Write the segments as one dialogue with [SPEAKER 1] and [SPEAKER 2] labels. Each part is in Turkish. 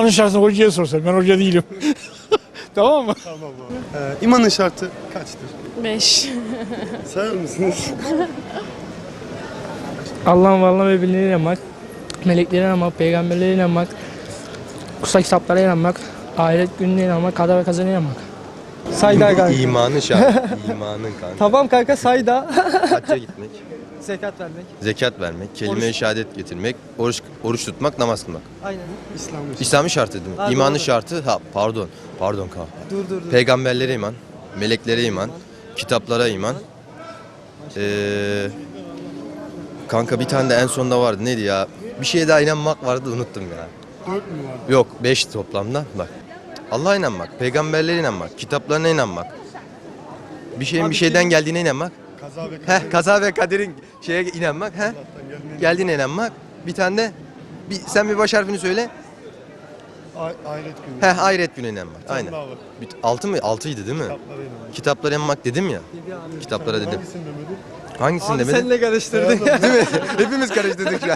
[SPEAKER 1] İmanın şartını hocaya sorsan. Ben hoca değilim. Tamam mı?
[SPEAKER 2] Tamam abi. İmanın şartı kaçtır?
[SPEAKER 3] 5.
[SPEAKER 2] Sayar mısınız?
[SPEAKER 4] Allah'ın varlığına ve birliğine inanmak, meleklere inanmak, peygamberlere inanmak, kutsal kitaplara inanmak, ahiret gününe inanmak, kader ve kazana inanmak.
[SPEAKER 5] Sayda kanka.
[SPEAKER 6] İmanın şartı. İmanın kanka.
[SPEAKER 5] Tamam kanka sayda.
[SPEAKER 6] Hacca gitmek,
[SPEAKER 5] Zekat vermek.
[SPEAKER 6] zekat vermek, kelime-i şehadet getirmek, oruç tutmak, namaz kılmak.
[SPEAKER 5] Aynen.
[SPEAKER 6] İslam'ın şartı değil mi?
[SPEAKER 5] Ha,
[SPEAKER 6] İmanın
[SPEAKER 5] doğru.
[SPEAKER 6] şartı, pardon kanka.
[SPEAKER 5] Dur.
[SPEAKER 6] Peygamberlere iman, meleklere iman, kitaplara iman. Kanka bir tane de en sonda vardı. Neydi ya? Bir şeye daha inanmak vardı, unuttum ya.
[SPEAKER 2] 4 mü vardı?
[SPEAKER 6] Yok, 5 toplamda. Bak. Allah'a inanmak, peygamberlere inanmak, kitaplarına inanmak. Bir şeyin bir şeyden geldiğine inanmak.
[SPEAKER 2] Kaza ve kader.
[SPEAKER 6] Kaza ve kaderin şeye inanmak. Geldiğine inanmak. Bir tane de sen bir baş harfini söyle.
[SPEAKER 2] Ahiret günü.
[SPEAKER 6] Ahiret gününe inanmak. Aynen.
[SPEAKER 2] daha var.
[SPEAKER 6] 6 mı? 6'ydı değil mi?
[SPEAKER 2] Kitaplara inanmak.
[SPEAKER 6] Kitaplara inanmak dedim ya. Kitaplara dedim.
[SPEAKER 2] Hangisini demedin?
[SPEAKER 6] Hangisini
[SPEAKER 5] Abi
[SPEAKER 6] demedim?
[SPEAKER 5] senle karıştırdık.
[SPEAKER 6] Değil mi? Hepimiz karıştırdık şu an.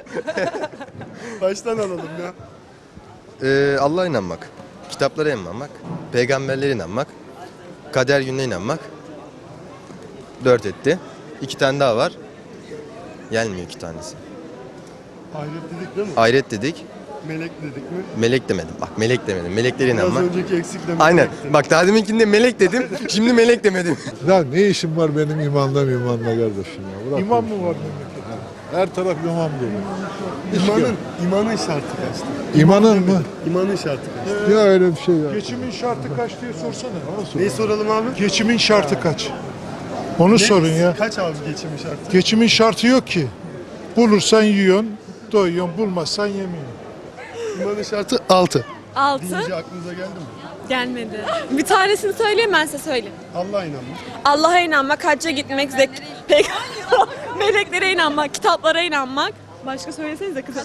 [SPEAKER 2] Baştan alalım ya.
[SPEAKER 6] Allah'a inanmak. Kitaplara inanmak. Peygamberlere inanmak. Kader gününe inanmak. 4 etti. 2 tane daha var. Gelmiyor 2 tanesi.
[SPEAKER 2] Ahiret dedik değil mi?
[SPEAKER 6] Ahiret dedik.
[SPEAKER 2] Melek dedik mi?
[SPEAKER 6] Melek demedim. Bak melek demedim. Meleklere
[SPEAKER 2] Biraz
[SPEAKER 6] inanmak.
[SPEAKER 2] önceki eksikle
[SPEAKER 6] Aynen.
[SPEAKER 2] melekti.
[SPEAKER 6] Bak daha deminkinde melek dedim. Şimdi melek demedim.
[SPEAKER 7] Ya ne işim var benim imanla kardeşim ya? Bırak
[SPEAKER 1] İmam
[SPEAKER 7] bu
[SPEAKER 1] mı var
[SPEAKER 7] işi.
[SPEAKER 1] memlekette?
[SPEAKER 7] Her taraf imam dolu.
[SPEAKER 2] İmanın şartı kaçtır?
[SPEAKER 7] İmanın mı?
[SPEAKER 2] İmanın şartı kaçtır?
[SPEAKER 7] Ya öyle bir şey ya.
[SPEAKER 1] Geçimin şartı kaç diye sorsana.
[SPEAKER 2] Neyi soralım abi?
[SPEAKER 1] Geçimin şartı kaç? Onu sorun ya.
[SPEAKER 2] Kaç abi geçimin şartı?
[SPEAKER 1] Geçimin şartı yok ki. Bulursan yiyorsun, doyuyorsun, bulmazsan yemiyorsun.
[SPEAKER 2] İmanın şartı 6.
[SPEAKER 3] 6.
[SPEAKER 2] Deyince aklınıza geldi mi?
[SPEAKER 3] Gelmedi. Bir tanesini söyleyeyim, ben size söyleyeyim.
[SPEAKER 2] Allah'a inanmak.
[SPEAKER 3] Allah'a inanmak, hacca gitmek, meleklere inanmak, kitaplara inanmak. Başka söylesenize kızım.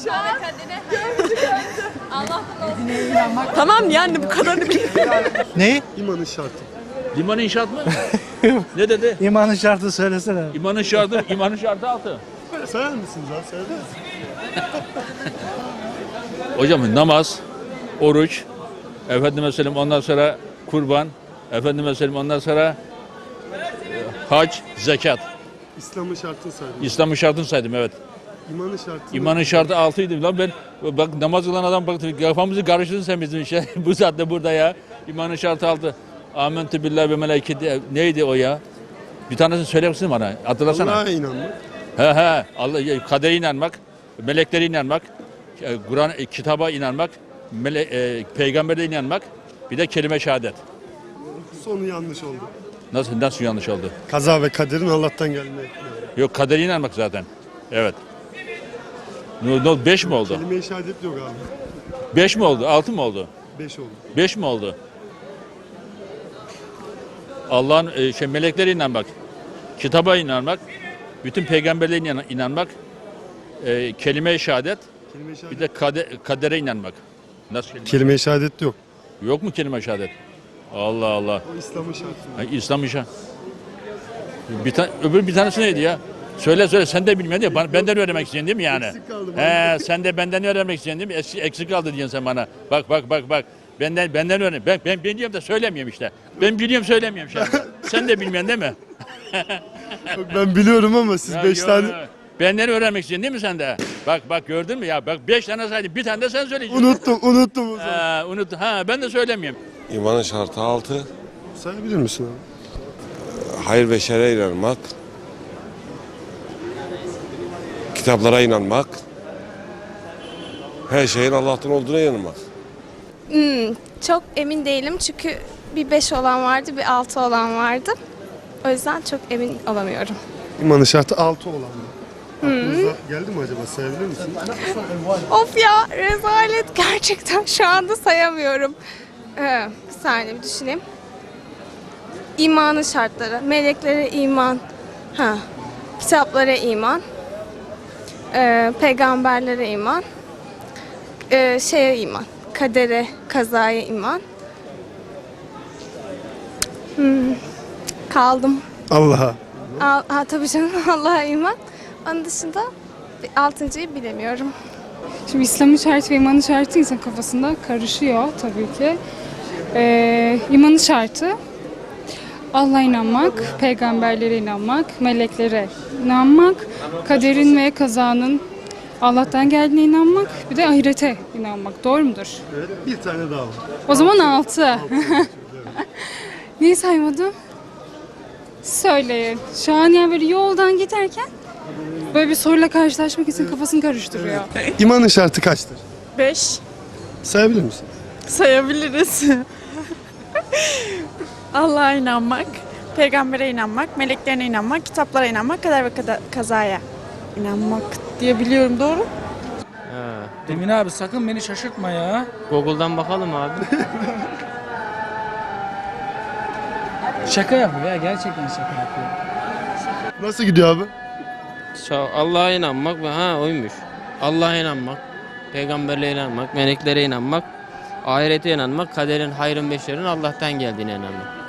[SPEAKER 3] Tamam yani bu kadarını biliyorum.
[SPEAKER 5] Ne?
[SPEAKER 2] İmanın şartı.
[SPEAKER 8] Liman inşaat mı? Ne dedi?
[SPEAKER 5] İmanın şartı söylesene.
[SPEAKER 8] İmanın şartı 6.
[SPEAKER 2] Sayar mısınız abi? Sayar mısınız?
[SPEAKER 8] Hocam namaz, oruç, efendime söyleyeyim ondan sonra kurban, efendime söyleyeyim ondan sonra hac, zekat.
[SPEAKER 2] İslam'ın şartını saydım.
[SPEAKER 8] İslam'ın şartını saydım evet.
[SPEAKER 2] İmanın şartı.
[SPEAKER 8] İmanın şartı 6'ydı lan ben bak namaz kılan adam bak kafamızı karıştırdın sen bizim işe bu saatte burada ya. İmanın şartı 6. Amentü billahi ve meleketi neydi o ya? Bir tanesini söyler misin bana? Hatırlasana.
[SPEAKER 2] Allah'a inanmak.
[SPEAKER 8] Allah kadere inanmak, meleklere inanmak, Kur'an kitaba inanmak, peygambere inanmak, bir de kelime şehadet.
[SPEAKER 2] Sonu yanlış oldu.
[SPEAKER 8] Nasıl yanlış oldu?
[SPEAKER 2] Kaza ve kaderin Allah'tan gelmeye.
[SPEAKER 8] Yok kadere inanmak zaten. Evet. 5 mi oldu?
[SPEAKER 2] Kelime-i şehadet yok abi.
[SPEAKER 8] 5 mi oldu? 6 mı oldu?
[SPEAKER 2] 5 oldu.
[SPEAKER 8] 5 mi oldu? Allah'ın meleklere inanmak, kitaba inanmak, bütün peygamberlere inanmak, kelime-i şehadet,
[SPEAKER 2] Kelime-i
[SPEAKER 8] bir
[SPEAKER 2] şehadet.
[SPEAKER 8] de kadere inanmak. Nasıl kelime?
[SPEAKER 2] Kelime-i şehadet yok.
[SPEAKER 8] Yok mu kelime-i şehadet? Allah Allah.
[SPEAKER 2] O İslam'ın şartı.
[SPEAKER 8] İslam işe. Öbür bir tanesi neydi ya? Söyle sen de bilmedin ya. Benden öğrenmek istiyorsun değil mi yani?
[SPEAKER 2] Eksik kaldı.
[SPEAKER 8] Sen de benden öğrenmek istiyorsun değil mi? Eksik kaldı diyorsun sen bana. Bak. Benden öğren. Ben biliyorum da söylemiyorum işte. Ben biliyorum söylemiyorum şimdi. Sen de bilmiyorsun değil mi?
[SPEAKER 2] Yok, ben biliyorum ama siz 5
[SPEAKER 8] Yo,
[SPEAKER 2] tane...
[SPEAKER 8] yo. Benden öğrenmek istiyorsun değil mi sen de? Bak gördün mü ya? Bak 5 tane saydım. Bir tane de sen söyleyeceksin.
[SPEAKER 2] Unuttum o zaman.
[SPEAKER 8] Unuttum. Ben de söylemiyorum.
[SPEAKER 9] İmanın şartı 6.
[SPEAKER 2] Sayabilir misin abi?
[SPEAKER 9] Hayır ve şer'e inanmak. Kitaplara inanmak. Her şeyin Allah'tan olduğuna inanmak.
[SPEAKER 10] Çok emin değilim çünkü bir 5 olan vardı, bir 6 olan vardı. O yüzden çok emin olamıyorum.
[SPEAKER 2] İmanın şartı 6 olan mı? Aklınıza geldi mi acaba? Sayabilir misin?
[SPEAKER 10] Of ya, rezalet gerçekten şu anda sayamıyorum. Bir saniye bir düşüneyim. İmanın şartları, meleklere iman, kitaplara iman, peygamberlere iman, şeye iman, kadere, kazaya iman. Kaldım.
[SPEAKER 2] Allah'a.
[SPEAKER 10] Tabii canım Allah'a iman. Onun dışında 6.'yı bilemiyorum.
[SPEAKER 11] Şimdi İslam'ın şartı ve imanın şartı insan kafasında karışıyor tabii ki. İmanın şartı Allah'a inanmak, peygamberlere inanmak, meleklere inanmak, kaderin ve kazanın Allah'tan geldiğine inanmak, bir de ahirete inanmak. Doğru mudur?
[SPEAKER 2] Evet, bir tane daha var.
[SPEAKER 11] O zaman 6. Neyi saymadım? Söyleyin. Şu an yani böyle yoldan giderken böyle bir soruyla karşılaşmak için kafasını karıştırıyor.
[SPEAKER 2] İmanın şartı kaçtır?
[SPEAKER 3] 5
[SPEAKER 2] Sayabilir misin?
[SPEAKER 3] sayabiliriz. Allah'a inanmak, peygambere inanmak, meleklerine inanmak, kitaplara inanmak, kader ve kazaya inanmak diye biliyorum, doğru?
[SPEAKER 4] Emin abi sakın beni şaşırtma ya.
[SPEAKER 5] Google'dan bakalım abi.
[SPEAKER 4] Şaka yapıyor ya, gerçekten şaka yapıyor.
[SPEAKER 2] Nasıl gidiyor abi?
[SPEAKER 5] Allah'a inanmak ve oymuş. Allah'a inanmak, peygamberlere inanmak, meleklere inanmak, ahirete inanmak, kaderin, hayrın ve şerrin Allah'tan geldiğine inanmak.